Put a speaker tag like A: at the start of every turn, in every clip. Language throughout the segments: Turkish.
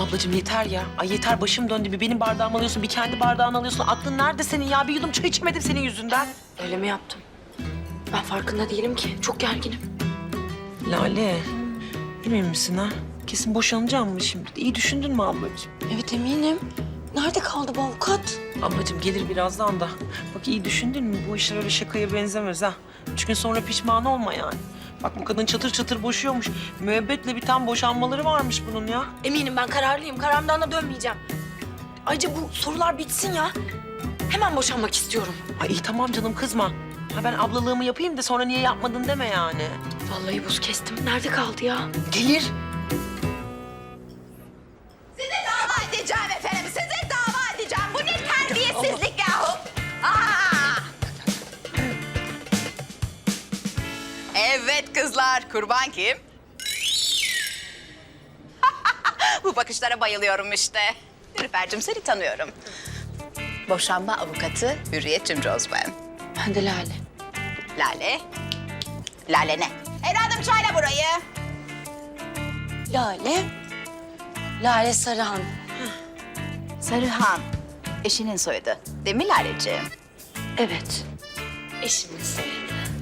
A: Ablacığım yeter ya. Ay yeter, başım döndü. Bir benim bardağımı alıyorsun, bir kendi bardağını alıyorsun. Aklın nerede senin ya? Bir yudum çay içemedim senin yüzünden.
B: Öyle mi yaptım? Ben farkında değilim ki. Çok gerginim.
A: Lale, emin misin ha? Kesin boşanacağım mı şimdi? İyi düşündün mü ablacığım?
B: Evet eminim. Nerede kaldı bu avukat?
A: Ablacığım gelir birazdan da. Bak iyi düşündün mü? Bu işler öyle şakaya benzemez ha. 3 gün sonra pişman olma yani. Bak bu kadın çatır çatır boşuyormuş. Müebbetle biten boşanmaları varmış bunun ya.
B: Eminim ben kararlıyım. Kararımdan da dönmeyeceğim. Ayrıca bu sorular bitsin ya. Hemen boşanmak istiyorum.
A: Ay iyi tamam canım, kızma. Ha ben ablalığımı yapayım da sonra niye yapmadın deme yani.
B: Vallahi buz kestim. Nerede kaldı ya?
A: Gelir.
C: Sizi dava edeceğim efendim, sizi dava edeceğim. Bu ne terbiyesizlik yahu? Aa! Evet kızlar, kurban kim? Bu bakışlara bayılıyorum işte. Nilüfer'cim seni tanıyorum. Boşanma avukatı Hürriyet Cimcoz ben.
B: Ben de Lale.
C: Lale. Lale ne? Evladım söyle burayı.
B: Lale. Lale Sarıhan.
C: Sarıhan. Eşinin soyadı. Değil mi Laleciğim?
B: Evet. Eşimin soyadı.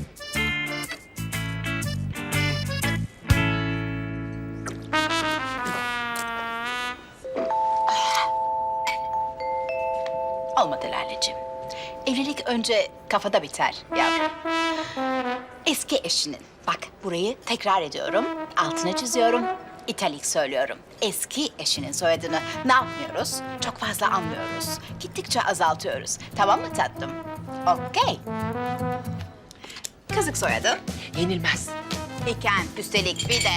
C: Olmadı Laleciğim. Evlilik önce kafada biter yavrum. Eski eşinin. Bak burayı tekrar ediyorum. Altına çiziyorum. İtalik söylüyorum. Eski eşinin soyadını ne yapmıyoruz? Çok fazla anlıyoruz. Gittikçe azaltıyoruz. Tamam mı tatlım? Okey. Kızık soyadın.
A: Yenilmez.
C: İken üstelik bir de...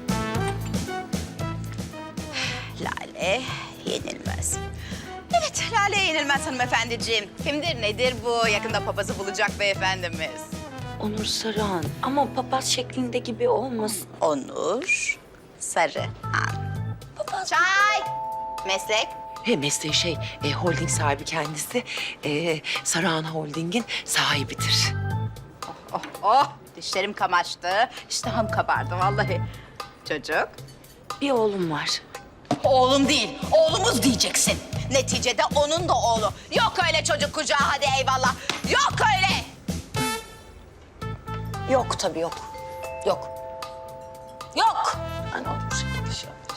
C: Lale yenilmez. Evet, Lale yenilmez hanımefendiciğim. Kimdir nedir bu? Yakında papazı bulacak beyefendimiz.
B: Onur Sarıhan. Ama papaz şeklinde gibi olmasın.
C: Onur Sarıhan. Çay! Meslek?
A: Mesleği holding sahibi kendisi. Sarıhan Holding'in sahibidir.
C: Oh, dişlerim kamaştı. İştahım kabardı vallahi. Çocuk?
B: Bir oğlum var.
C: Oğlum değil, oğlumuz diyeceksin. Neticede onun da oğlu. Yok öyle çocuk kucağı, hadi eyvallah. Yok öyle.
B: Yok tabii yok. Yok. Yok. Ben onu bu şekilde şey yaptım.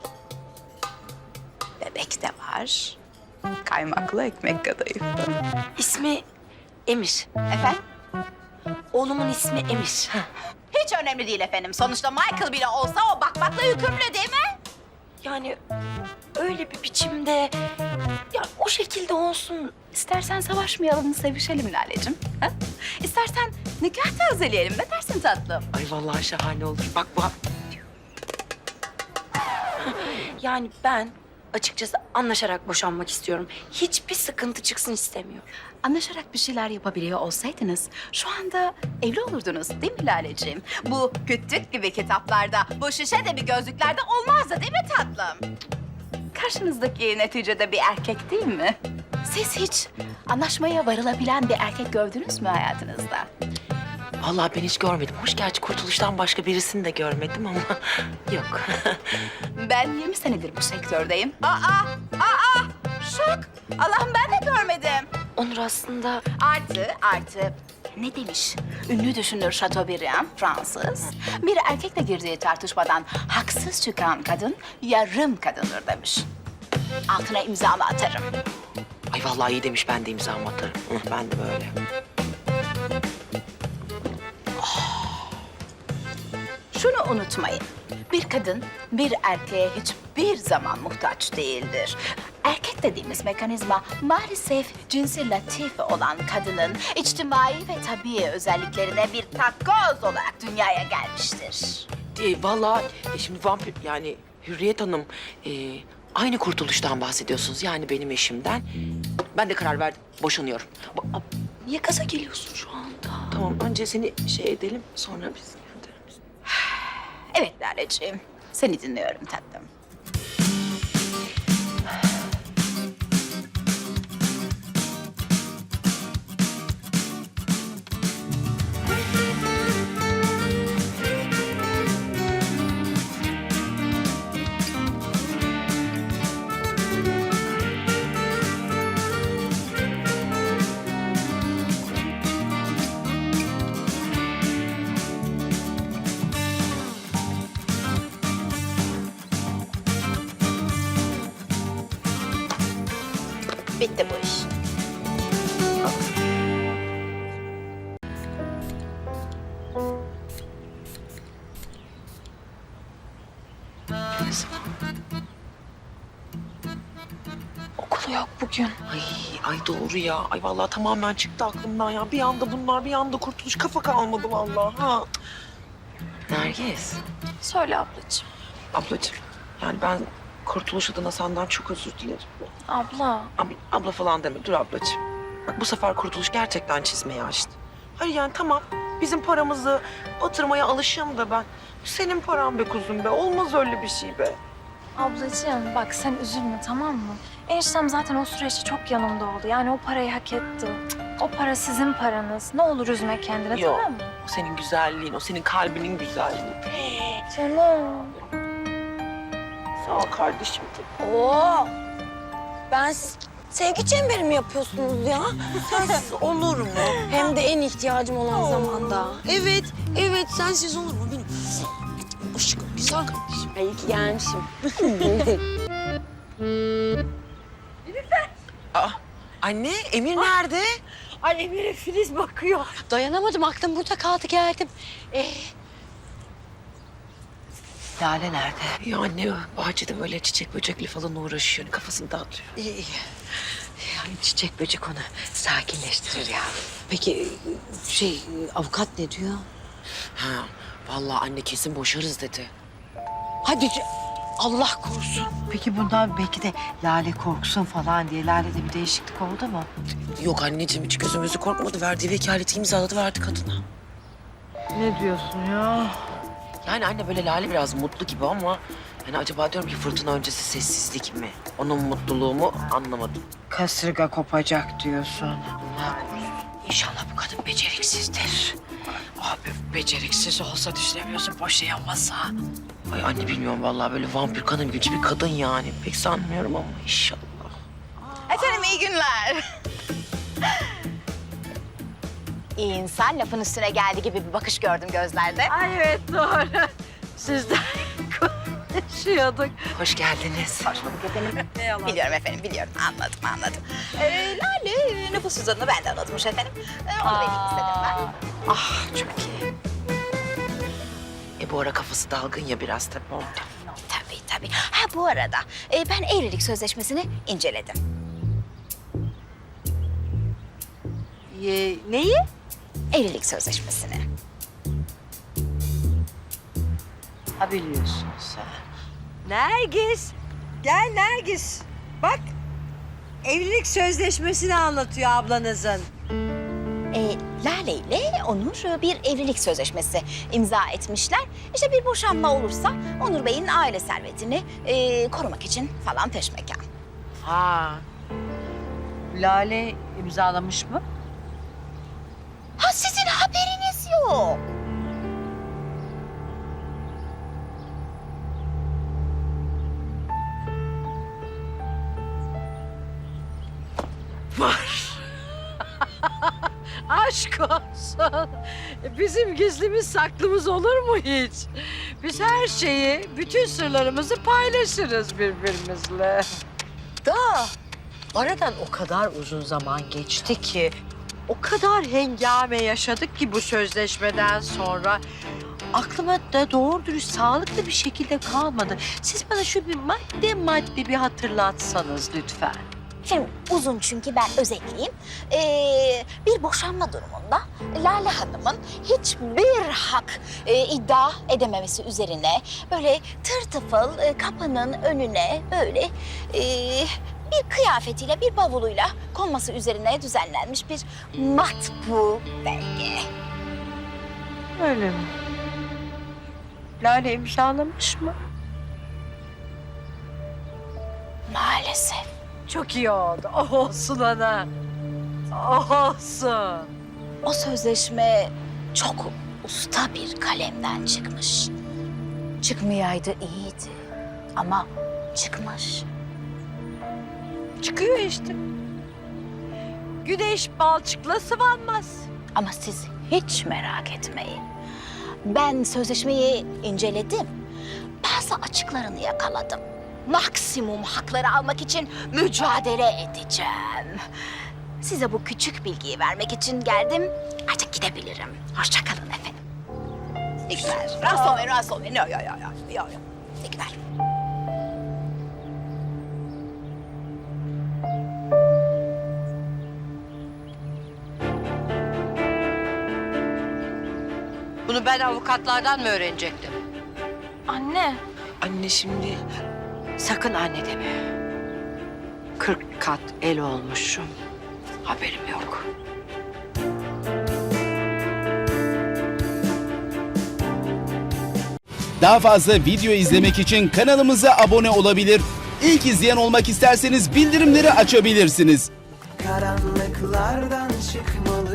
C: Bebek de var. Kaymaklı ekmek kadayıfı.
B: İsmi Emir.
C: Efendim?
B: Oğlumun ismi Emir.
C: Hiç önemli değil efendim. Sonuçta Michael bile olsa o bakmakla yükümlü değil mi?
B: Yani öyle bir biçimde... Ya o şekilde olsun.
C: İstersen savaşmayalım, sevişelim Lale'cim. Ha? İstersen nikah tazeleyelim. Ne dersin tatlım?
A: Ay vallahi şahane olur. Bak bu.
B: Yani ben açıkçası anlaşarak boşanmak istiyorum. Hiçbir sıkıntı çıksın istemiyorum.
C: Anlaşarak bir şeyler yapabiliyor olsaydınız şu anda evli olurdunuz değil mi Laleciğim? Bu kütük gibi kitaplarda, bu şişe de bir gözlüklerde olmazdı değil mi tatlım? Karşınızdaki neticede bir erkek değil mi? Siz hiç anlaşmaya varılabilen bir erkek gördünüz mü hayatınızda?
A: Vallahi ben hiç görmedim. Hoş gerçi Kurtuluş'tan başka birisini de görmedim ama yok.
C: Ben 20 senedir bu sektördeyim. Şok! Allah'ım ben de görmedim.
B: Onur aslında
C: Artı ne demiş? Ünlü düşünür Chateaubriand, Fransız. Bir erkekle girdiği tartışmadan haksız çıkan kadın yarım kadındır demiş. Altına imzamı atarım.
A: Ay vallahi iyi demiş, ben de imzamı atarım. Ben de böyle.
C: Şunu unutmayın. Bir kadın bir erkeğe hiçbir zaman muhtaç değildir. Erkek dediğimiz mekanizma maalesef cinsi latife olan kadının içtimai ve tabii özelliklerine bir takoz olarak dünyaya gelmiştir.
A: Vallahi şimdi vampir yani Hürriyet Hanım aynı Kurtuluş'tan bahsediyorsunuz. Yani benim eşimden. Ben de karar verdim. Boşanıyorum.
B: niye gaza geliyorsun şu anda?
A: Tamam önce seni şey edelim sonra biz göndeririz.
C: Evet Laleciğim, seni dinliyorum tatlım. Bitti bu iş.
B: Okulu yok bugün.
A: Ay doğru ya. Ay vallahi tamamen çıktı aklımdan ya. Bir anda bunlar, bir anda kurtuluş. Kafa kalmadı vallahi. Ha. Nergis.
B: Söyle ablacığım.
A: Ablacığım, yani ben kurtuluş adına senden çok özür dilerim.
B: Abla.
A: Abla falan deme, dur ablacığım. Bak bu sefer kurtuluş gerçekten çizmeyi açtı. Hayır yani tamam, bizim paramızı batırmaya alışığım da ben. Bu senin paran be kuzum be, olmaz öyle bir şey be.
D: Ablacığım bak sen üzülme tamam mı? Eniştem zaten o süreçte çok yanımda oldu. Yani o parayı hak etti. O para sizin paranız. Ne olur üzme kendini
A: Yok.
D: tamam mı?
A: O senin güzelliğin, o senin kalbinin güzelliği.
D: Canım.
A: Sağ ol kardeşim.
B: Oo. Sevgi çemberi mi yapıyorsunuz ya?
A: Sensiz olur mu?
B: Hem de en ihtiyacım olan zamanda.
A: Evet, sensiz olur mu benim? Aşkım, güzel kardeşim.
B: Ay iyi ki gelmişim.
A: Anne, Emir nerede?
E: Ay Emir'e Filiz bakıyor. Dayanamadım, aklım burada kaldı, geldim. Lale nerede?
A: Ya anne, bahçede böyle çiçek böcekli falan uğraşıyor. Kafasını dağıtıyor.
E: İyi. Yani çiçek böcek onu sakinleştirir ya. Peki avukat ne diyor?
A: Ha, vallahi anne kesin boşarız dedi.
E: Allah korusun. Peki bundan belki de Lale korksun falan diye Lale'de bir değişiklik oldu mu?
A: Yok anneciğim, hiç gözümüzü korkmadı. Verdiği vekaleti imzaladı, verdi kadına.
E: Ne diyorsun ya?
A: Yani anne böyle Lale biraz mutlu gibi ama... Yani acaba diyorum ki fırtına öncesi sessizlik mi? Onun mutluluğu mu anlamadım.
E: Kasırga kopacak diyorsun. İnşallah bu kadın beceriksizdir. Abi beceriksiz olsa düşünemiyorsun, boşa yanmasa.
A: Ay anne bilmiyorum vallahi, böyle vampir kanım gücü bir kadın yani. Pek sanmıyorum ama inşallah.
C: Efendim iyi günler. İyi insan lafın üstüne geldi gibi bir bakış gördüm gözlerde.
E: Ay evet doğru. Sizden konuşuyorduk.
A: Hoş geldiniz.
C: Hoş bulduk efendim. Biliyorum efendim, biliyorum. Anladım. Lale nüfus cüzdanını ben de anlatmış efendim. Onu vereyim istedim ben.
E: Ah çok iyi.
A: Bu ara kafası dalgın ya biraz tabii ondan.
C: Tabii. Ha bu arada ben evlilik sözleşmesini inceledim.
E: Neyi?
C: Evlilik sözleşmesini.
E: Ha biliyorsun sen. Nergis. Gel Nergis. Bak. Evlilik sözleşmesini anlatıyor ablanızın.
C: Lale ile Onur bir evlilik sözleşmesi imza etmişler. İşte bir boşanma olursa Onur Bey'in aile servetini korumak için falan peşmekan.
E: Ha. Lale imzalamış mı?
C: Ha sizin haberiniz yok.
E: Aşk olsun. Bizim gizlimiz saklımız olur mu hiç? Biz her şeyi, bütün sırlarımızı paylaşırız birbirimizle. Da aradan o kadar uzun zaman geçti ki, o kadar hengame yaşadık ki bu sözleşmeden sonra aklıma da doğru dürüst sağlıklı bir şekilde kalmadı. Siz bana şu bir madde bir hatırlatsanız lütfen.
C: Şimdi uzun çünkü ben özetleyeyim. Bir boşanma durumunda Lale Hanım'ın hiçbir hak iddia edememesi üzerine böyle tırtıfıl kapının önüne böyle bir kıyafetiyle, bir bavuluyla konması üzerine düzenlenmiş bir matbu belge.
E: Öyle mi? Lale imzalamış mı?
C: Maalesef.
E: Çok iyi oldu. Oh olsun ana. Oh olsun.
C: O sözleşme çok usta bir kalemden çıkmış. Çıkmayaydı iyiydi ama çıkmış.
E: Çıkıyor işte. Güneş balçıkla sıvanmaz.
C: Ama siz hiç merak etmeyin. Ben sözleşmeyi inceledim. Bazı açıklarını yakaladım. maksimum hakları almak için mücadele edeceğim. Size bu küçük bilgiyi vermek için geldim. Artık gidebilirim. Hoşça kalın efendim. İyi günler. Rahatsız olmayın. Yok. İyi günler.
E: Bunu ben avukatlardan mı öğrenecektim?
D: Anne.
A: Anne şimdi
B: Sakın anne deme. 40 kat el olmuşum. Haberim yok.
F: Daha fazla video izlemek için kanalımıza abone olabilir. İlk izleyen olmak isterseniz bildirimleri açabilirsiniz.
G: Karanlıklardan çıkmalı